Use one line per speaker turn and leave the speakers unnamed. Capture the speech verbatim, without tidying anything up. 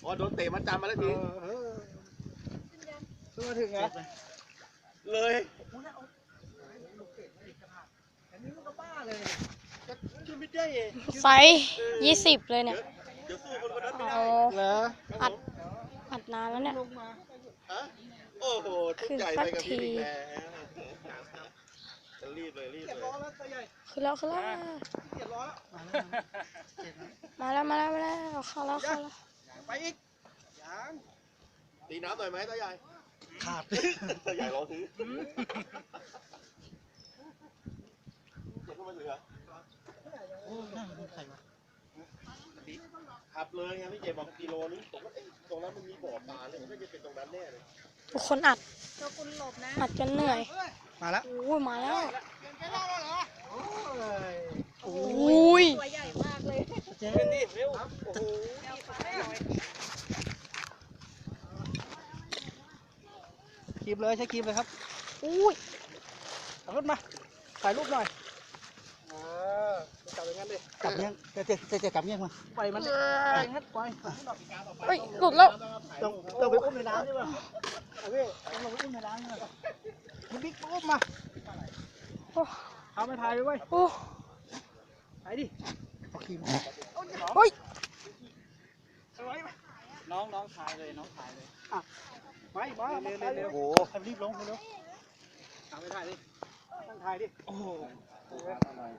อโดนเตะมันจำมาแล้วที
ตัวถึงไง
เลย
ไซส์ยี่สิบเลยเนี่ย
เดี๋ยวสู้คนคนนั้นไม่ได้
เอา
เหรอ
อัดอัดนานแล้วเนี่ย
ฮะโอ้โหทุกใหญ่ไปกับพี่อีกแล้วจะรีบเลยรีบเลย
คือแล้วคือแล้วมาแล้วมาแล้วมาแล้วเข้าแล้วเข้าแล้ว
ไปอีกยัง
ตีน้ำหน่อยไหมตาใหญ่
ขาด
ตาใหญ่รอซื้อเจ็บขึ้นมาเหลือขับเลยไงพี่เจบอกกิโลนี้ผมว่าตรงนั้นมันมีบ่อปลาเลยมันก็จะเป็นตรงนั้นแน่เลย
ทุกคนอัดอัดจนเหนื่อย
มาแล้ว
โอ้ยมาแล้ว
โอ้
โอ้ย
ตัวใหญ่มากเลย
เจ๊นี่เร็วโอ้โหคลิปเลยใช้คลิปเลยครับ
อุ้ย
เอารถมาถ่ายรูปหน่อยเออจับอย่างนั้นเลยจับเงี้ยเจ๊เจ๊เจ๊เจ๊จับเงี้ยมาปล่อยมันเลยปล่อยงั้นปล่อย
เฮ้ยหลุดแล้ว
ต้องต้องไปอุ้มในน้ำใช่ป่ะเอาพี่ต้องลงไปอุ้มในน้ำใช่ป่ะมันบิ๊กอุ้มมา
โอ้
เอาไปถ่ายไปไว้
โอ้
ถ่ายดิเอาครีม
เฮ้ย
น้องน้องถ่ายเลยน้องถ่ายเลยอ่ะไปมาเร็วเร็วเร็วโอ้โหรีบลงเร็วเอาไปถ่ายดิตั้งถ่ายดิโอ้โห